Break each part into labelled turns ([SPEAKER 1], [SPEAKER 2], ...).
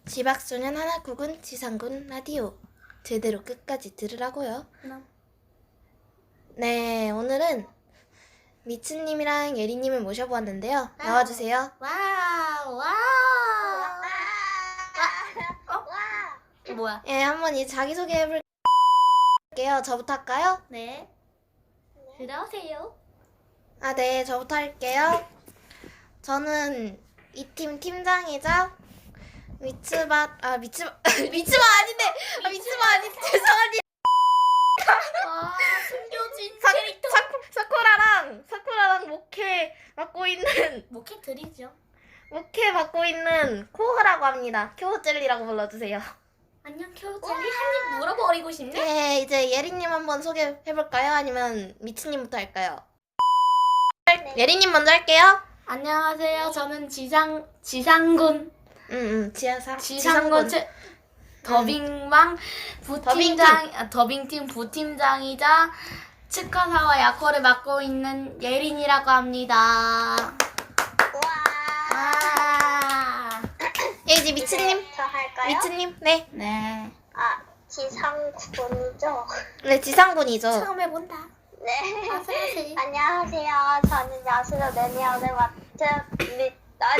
[SPEAKER 1] 지박소년 하나국은 지상군 라디오 제대로 끝까지 들으라고요. 네, 오늘은 미츠님이랑 예리님을 모셔보았는데요. 나와주세요.
[SPEAKER 2] 와우. 뭐야?
[SPEAKER 1] 예, 한번 이 자기소개 해볼게요. 저부터 할까요?
[SPEAKER 2] 네. 들어오세요.
[SPEAKER 1] 네, 저부터 할게요. 저는 이 팀 팀장이자 미츠바 아닌데 죄송합니다.
[SPEAKER 2] 숨겨진 캐릭터.
[SPEAKER 1] 사쿠라랑 목회 맡고 있는
[SPEAKER 2] 목회 드리죠.
[SPEAKER 1] 코흐라고 합니다. 쿄jel리라고 불러주세요.
[SPEAKER 2] 안녕 켜우젤리. 한입 물어버리고 싶네.
[SPEAKER 1] 네, 이제 예리님 한번 소개해볼까요? 아니면 미츠님부터 할까요? 예리님 먼저 할게요.
[SPEAKER 2] 안녕하세요. 저는 지상군
[SPEAKER 1] 지상군
[SPEAKER 2] 더빙방 더빙팀 부팀장이자 치과사와 약호를 맡고 있는 예린이라고 합니다. 와.
[SPEAKER 1] 예, 이제 미츠님.
[SPEAKER 3] 저 할까요?
[SPEAKER 1] 미츠님, 네.
[SPEAKER 2] 네.
[SPEAKER 3] 지상군이죠?
[SPEAKER 1] 네, 지상군이죠.
[SPEAKER 2] 처음 해본다.
[SPEAKER 3] 네.
[SPEAKER 2] 어서오세요.
[SPEAKER 3] 안녕하세요. 저는 야수로 매니아를 맡은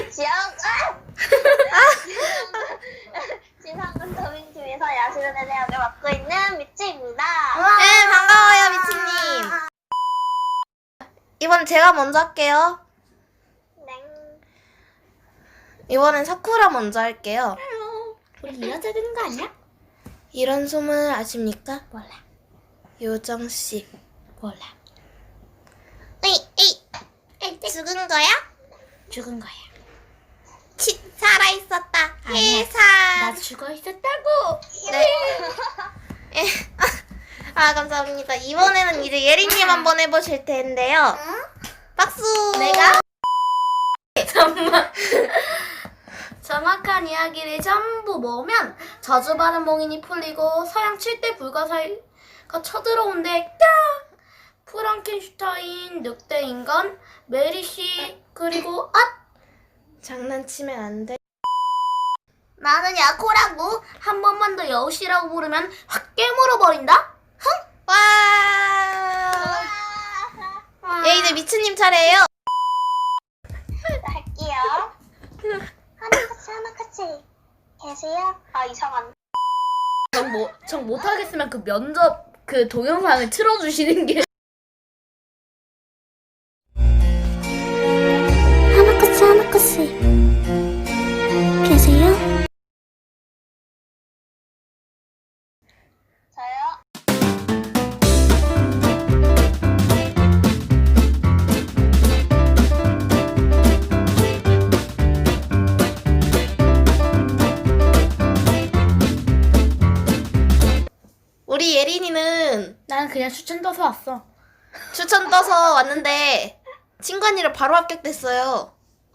[SPEAKER 3] 지상군 더빙팀에서 야수로 매니아를 맡고 있는 미츠입니다.
[SPEAKER 1] 네, 반가워요, 미츠님. 이번 제가 먼저 할게요.
[SPEAKER 3] 네.
[SPEAKER 1] 이번엔 사쿠라 먼저 할게요.
[SPEAKER 2] 우리 이어져야 되는 거 아니야?
[SPEAKER 1] 이런 소문을 아십니까?
[SPEAKER 2] 몰라.
[SPEAKER 1] 요정씨.
[SPEAKER 2] 몰라.
[SPEAKER 1] 에이, 죽은 거야?
[SPEAKER 2] 죽은 거야.
[SPEAKER 1] 살아있었다.
[SPEAKER 2] 아니야.
[SPEAKER 1] 해산.
[SPEAKER 2] 나 죽어 있었다고.
[SPEAKER 1] 네. 감사합니다. 이번에는 이제 예리님 한번 해보실 텐데요. 박수.
[SPEAKER 2] 내가? 정말. 정확한 이야기를 전부 모으면 저주받은 몽인이 풀리고 서양 7대 불가사의가 쳐들어온대. 프랑켄슈타인, 늑대 인간, 메리씨, 그리고
[SPEAKER 1] 장난치면 안 돼.
[SPEAKER 2] 나는 야코라고. 한 번만 더 여우씨라고 부르면 확 깨물어버린다.
[SPEAKER 1] 와. 예, 이제 미츠님 차례예요.
[SPEAKER 3] 할게요. 하나같이 계세요? 이상한데.
[SPEAKER 2] 정 못하겠으면 그 면접 그 동영상을 틀어주시는 게. 하나같이 계세요?
[SPEAKER 3] 저요?
[SPEAKER 1] 우리 예린이는
[SPEAKER 2] 나는 그냥 추천 떠서 왔어.
[SPEAKER 1] 추천 떠서 왔는데 친구 언니를 바로 합격됐어요.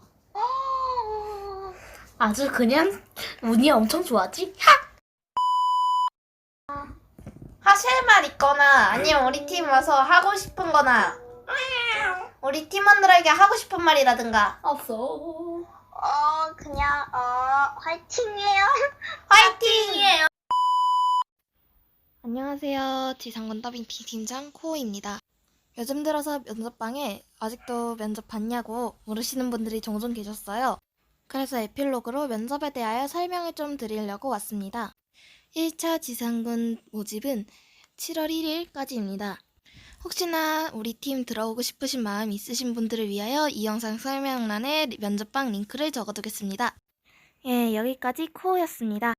[SPEAKER 2] 아주 그냥 운이 엄청 좋았지?
[SPEAKER 1] 하실 말 있거나 아니면 우리 팀 와서 하고 싶은 거나 우리 팀원들에게 하고 싶은 말이라든가.
[SPEAKER 2] 없어.
[SPEAKER 3] 그냥 화이팅이에요.
[SPEAKER 1] 화이팅이에요. 안녕하세요. 지상군 더빙 비팀장 코우입니다. 요즘 들어서 면접방에 아직도 면접 봤냐고 물으시는 분들이 종종 계셨어요. 그래서 에필로그로 면접에 대하여 설명을 좀 드리려고 왔습니다. 1차 지상군 모집은 7월 1일까지입니다. 혹시나 우리 팀 들어오고 싶으신 마음 있으신 분들을 위하여 이 영상 설명란에 면접방 링크를 적어두겠습니다. 예, 여기까지 코우였습니다.